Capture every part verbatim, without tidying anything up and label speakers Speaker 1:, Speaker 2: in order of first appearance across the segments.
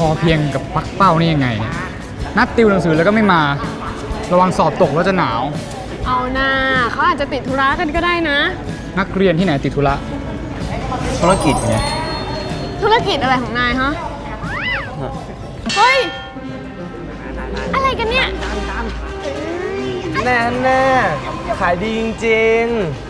Speaker 1: อเพียงกับปักเป้านี่ยังไงเนี่ยนัดติวหนังสือแล้วก็ไม่มาระวังสอบตกแล้วจะหนาว
Speaker 2: เอาหน้าเขาอาจจะติดธุระกันก็ได้นะ
Speaker 1: นักเรียนที่ไหนติดธุระ
Speaker 3: ธุรกิจไง
Speaker 2: ธุรกิจอะไรของนายฮะ เฮ้ย อะไรกันเนี่ย
Speaker 3: แน่แน่ขายดีจริง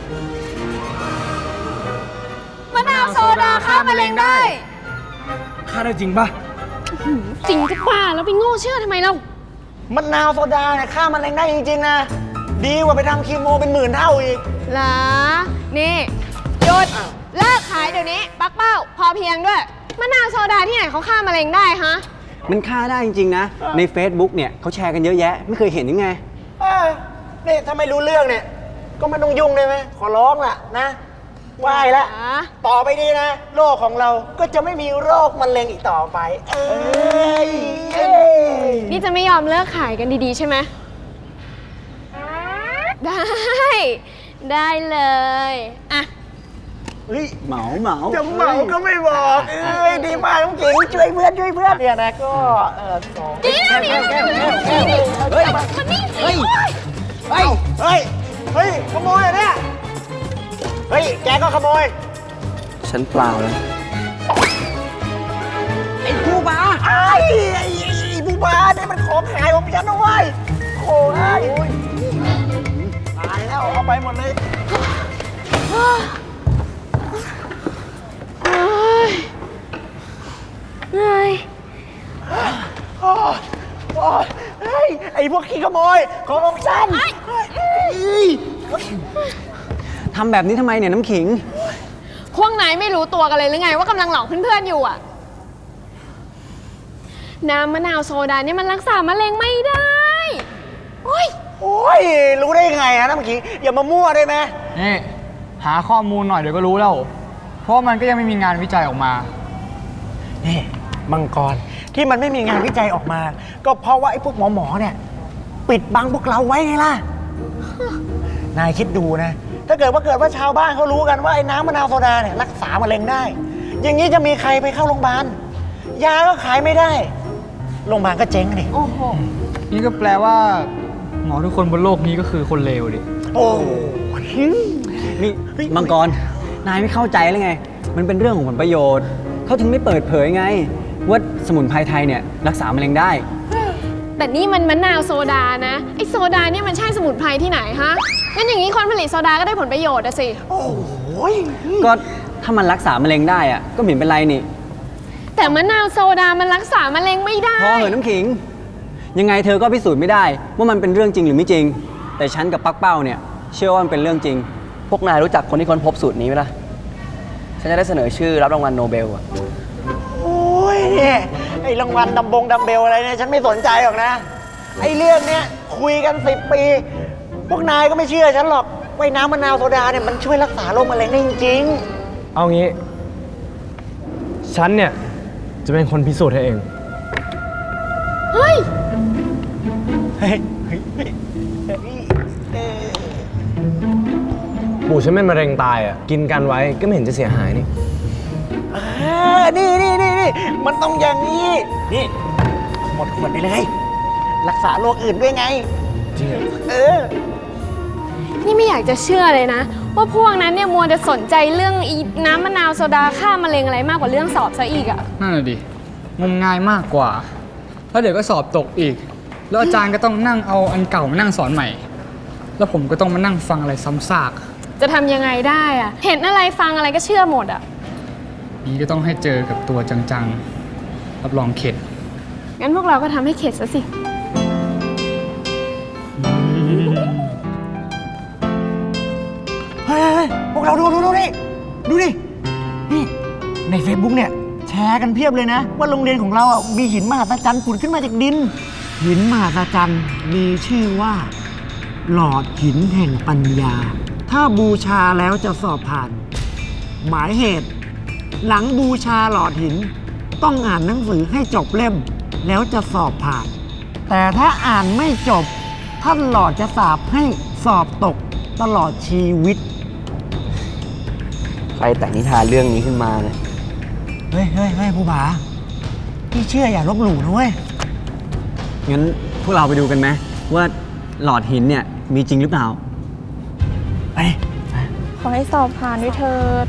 Speaker 2: มะนาวโซดาฆ่ามะเร็งได้
Speaker 3: ๆค่าได้จริงปะ
Speaker 2: จริงจะป่าแล้วไปโง่เชื่อทำไมเรา
Speaker 4: มะนาวโซดาเนี่ยฆ่ามะเร็งได้จริงๆนะดีกว่าไปทำคีโมเป็นหมื่นเท่าอีก
Speaker 2: เหรอ นี่หยุดเลิกขายเดี๋ยวนี้ ปักเป้า พอเพียงด้วย มะนาวโซดาที่ไหนเขาฆ่ามะเร็งได้ฮะ
Speaker 5: มันฆ่าได้จริงๆนะ ใน Facebook เนี่ยเขาแชร์กันเยอะแยะ ไม่เคยเห็นยังไง
Speaker 4: เออนี่ถ้าไม่รู้เรื่องเนี่ย ก็ไม่ต้องยุ่งได้ไหมขอร้องล่ะนะไหว้ละ
Speaker 2: อ่ะ
Speaker 4: ต่อไปนี้นะ โลกของเราก็จะไม่มีโรคมะเร็งอีกต่อไป เอ้ยเอ้ย
Speaker 2: นี่จะไม่ยอมเลิกขายกันดีๆใช่ไหม ได้ ได้เลย อ่ะ
Speaker 4: เฮ้ย
Speaker 5: เหมาเหมา
Speaker 4: จะเหมาก็ไม่บอกเอ้ยดีมากน้องเก๋งช่วยเพื่อนช่วยเพื่อนเนี่ยนะก็เออสอง
Speaker 2: นี่นะนี่นะนี่นะเฮ้ยมันนี่สิ
Speaker 4: เฮ้ยเฮ้ยเฮ้ยเฮ้ยขโมยเหรอเนี่ยเฮ้ยแกก็ขโมย
Speaker 5: ฉันเปล่าแล้ว
Speaker 4: ไอ้ผู้บ้าไอ้ไอ้ไอ้ผู้บ้าเนี่ยมันของขายของฉันนะเว้ยโอ้ยตายแล้วเอาไปหมดเลย
Speaker 2: เฮ้ยเหนื่อย
Speaker 4: โอ้ยโอ้ยเฮ้ยไอ้พวกขี้ขโมยของของฉันเฮ้ย
Speaker 5: ทำแบบนี้ทำไมเนี่ยน้ำขิง
Speaker 2: พวกนายไม่รู้ตัวกันเลยหรือไงว่ากำลังหลอกเพื่อนๆอยู่อ่ะ น้ำมะนาวโซดาเนี่ยมันรักษามะเร็งไม่ได้โอ้ย
Speaker 4: โอ้ยรู้ได้ยังไงฮะน้ำขิงอย่ามามั่วได้ไหม
Speaker 1: นี่หาข้อมูลหน่อยเดี๋ยวก็รู้แล้ว เพราะมันก็ยังไม่มีงานวิจัยออกมา
Speaker 4: นี่มังกรที่มันไม่มีงานวิจัยออกมา ก็เพราะว่าไอ้พวกหมอหมอเนี่ยปิดบังพวกเราไว้ไงล่ะ นายคิดดูนะ ถ้าเกิดว่าเกิดว่าชาวบ้านเขารู้กันว่าไอ้น้ำมะนาวโซดาเนี่ยรักษามะเร็งได้ อย่างนี้จะมีใครไปเข้าโรงพยาบาลยาก็ขายไม่ได้โรงพยาบาลก็เจ๊งดิ
Speaker 2: โอ้โห
Speaker 1: นี่ก็แปลว่าหมอทุกคนบนโลกนี้ก็คือคนเลวดิ
Speaker 4: โอ้
Speaker 5: นี่มังกร นายไม่เข้าใจเลยไง มันเป็นเรื่องของผลประโยชน์ เขาถึงไม่เปิดเผยไง ว่าสมุนไพรไทยเนี่ยรักษามะเร็งได้
Speaker 2: แต่นี่มันมะนาวโซดานะไอโซดาเนี่ยมันใช่สมุนไพรที่ไหนฮะงั้นอย่างนี้คนผลิตโซดาก็ได้ผลประโยชน์อะสิ
Speaker 4: โอ้ย
Speaker 5: ก็ถ้ามันรักษามะเร็งได้อะก็ไม่เห็นเป็นไรนี่
Speaker 2: แต่มะนาวโซดามันรักษามะเร็งไม่ได้
Speaker 5: พอเหอะน้ำขิง ยังไงเธอก็พิสูจน์ไม่ได้ ว่ามันเป็นเรื่องจริงหรือไม่จริง แต่ฉันกับปักเป้าเนี่ยเชื่อว่ามันเป็นเรื่องจริง
Speaker 3: พวกนายรู้จักคนที่ค้นพบสูตรนี้ไหมล่ะ ฉันจะได้เสนอชื่อรับรางวัลโนเบลอะ
Speaker 4: โอ้ยเนี่ยไอ้รางวัลดัมบงดัมเบลอะไรเนี่ยฉันไม่สนใจหรอกนะไอ้เรื่องเนี้ยคุยกันสิบปี พวกนายก็ไม่เชื่อฉันหรอกว่าน้ำมะนาวโซดาเนี่ยมันช่วยรักษาโรคมะเร็งได้จริง
Speaker 6: เอางี้ ฉันเนี่ย จะเป็นคนพิสูจน์ให้เอง
Speaker 2: เฮ้ย
Speaker 4: ๆเฮ้ยเฮ้ยเฮ้ยเฮ้ยเอ่อ
Speaker 6: ปู่ฉันเป็นมะเร็งตายอ่ะ กินกันไว้ก็ไม่เห็นจะเสียหายนี่
Speaker 4: อ่านี่นี่นี่นี่มันต้องอย่างนี้ นี่ หมดขวดไปเลย รักษาโรคอื่นด้วยไง
Speaker 6: จริงเหรอ
Speaker 4: เออ
Speaker 2: นี่ไม่อยากจะเชื่อเลยนะ ว่าพวกนั้นเนี่ยมัวจะสนใจเรื่องอีน้ำมะนาวโซดาฆ่ามะเร็งอะไรมากกว่าเรื่องสอบซะอีกอะ
Speaker 1: นั่นแหละดิงมงายมากกว่า แล้วเดี๋ยวก็สอบตกอีก แล้วอาจารย์ก็ต้องนั่งเอาอันเก่ามานั่งสอนใหม่ แล้วผมก็ต้องมานั่งฟังอะไรซ้ำซาก
Speaker 2: จะทำยังไงได้อะเห็นอะไรฟังอะไรก็เชื่อหมดอะ
Speaker 1: นี้ก็ต้องให้เจอกับตัวจังๆ รับรองเข็ด
Speaker 2: งั้นพวกเราก็ทำให้เข็ดซะสิ
Speaker 4: เฮ้ยพวกเราดูดูดูนี่ดูดินี่ใน Facebook เนี่ยแชร์กันเพียบเลยนะ ว่าโรงเรียนของเราอ่ะมีหินมหัศจรรย์ผุดขึ้นมาจากดิน หินมหัศจรรย์มีชื่อว่า หลอดหินแห่งปัญญา ถ้าบูชาแล้วจะสอบผ่าน หมายเหตุ หลังบูชาหลอดหิน ต้องอ่านหนังสือให้จบเล่ม แล้วจะสอบผ่าน แต่ถ้าอ่านไม่จบท่านหลอดจะสาปให้สอบตกตลอดชีวิต
Speaker 3: ใครแต่งนิทานเรื่องนี้ขึ้นมาเนี่ย
Speaker 4: เฮ้ยเฮ้ยเฮ้ยผู้ผาพี่เชื่ออย่าลบหลู่นะเว้ย
Speaker 5: งั้นพวกเราไปดูกันไหมว่าหลอดหินเนี่ยมีจริงหรือเปล่า
Speaker 4: ไป
Speaker 7: ขอให้สอบผ่านด้วยเถิด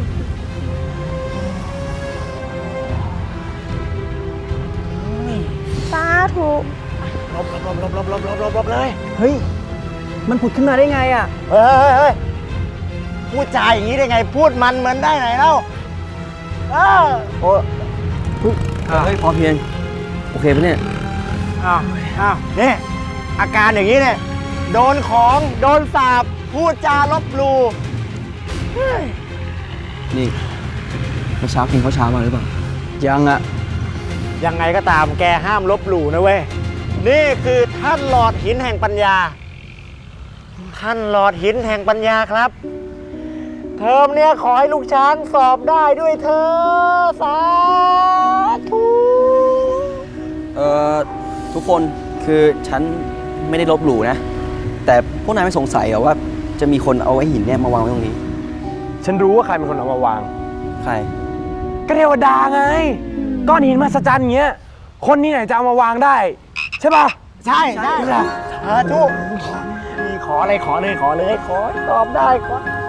Speaker 7: สาธุ
Speaker 4: ลบลบลบลบลบลบลบลบลบเลย
Speaker 5: เฮ้ย มันผุดขึ้นมาได้ไงอ่ะ
Speaker 4: เฮ้ยเฮ้ยเฮ้ยพูดจาอย่างนี้ได้ไง พูดมันเหมือนได้ไหนเล่าเออ
Speaker 3: โอ้เฮ้ยพอเพียง โอเคปะเนี่ย
Speaker 4: อ้าวอ้าวนี่อาการอย่างนี้เนี่ย โดนของ โดนสาบ พูดจาลบหลู่เฮ้ย
Speaker 3: นี่เมื่อเช้ากินข้าวเช้ามาหรือเปล่า
Speaker 5: ยังอ่ะ
Speaker 4: ยังไงก็ตามแกห้ามลบหลู่นะเว้ย นี่คือท่านหลอดหินแห่งปัญญา ท่านหลอดหินแห่งปัญญาครับ เทอมเนี้ยขอให้ลูกช้างสอบได้ด้วยเธอสาธุ
Speaker 3: เอ่อ ทุกคนคือฉันไม่ได้ลบหลู่นะ แต่พวกนายไม่สงสัยเหรอว่าจะมีคนเอาไอ้หินเนี่ยมาวางไว้ตรงนี้
Speaker 6: ฉันรู้ว่าใครเป็นคนเอามาวาง
Speaker 3: ใคร
Speaker 6: ก็เทวดาไง ก้อนหินมหัศจรรย์อย่างเงี้ย คนที่ไหนจะเอามาวางได้ ใช่ป่ะ
Speaker 4: ใช่ใช่สาธุมีขออะไรขอเลยขอเลยขอให้สอบได้ขอ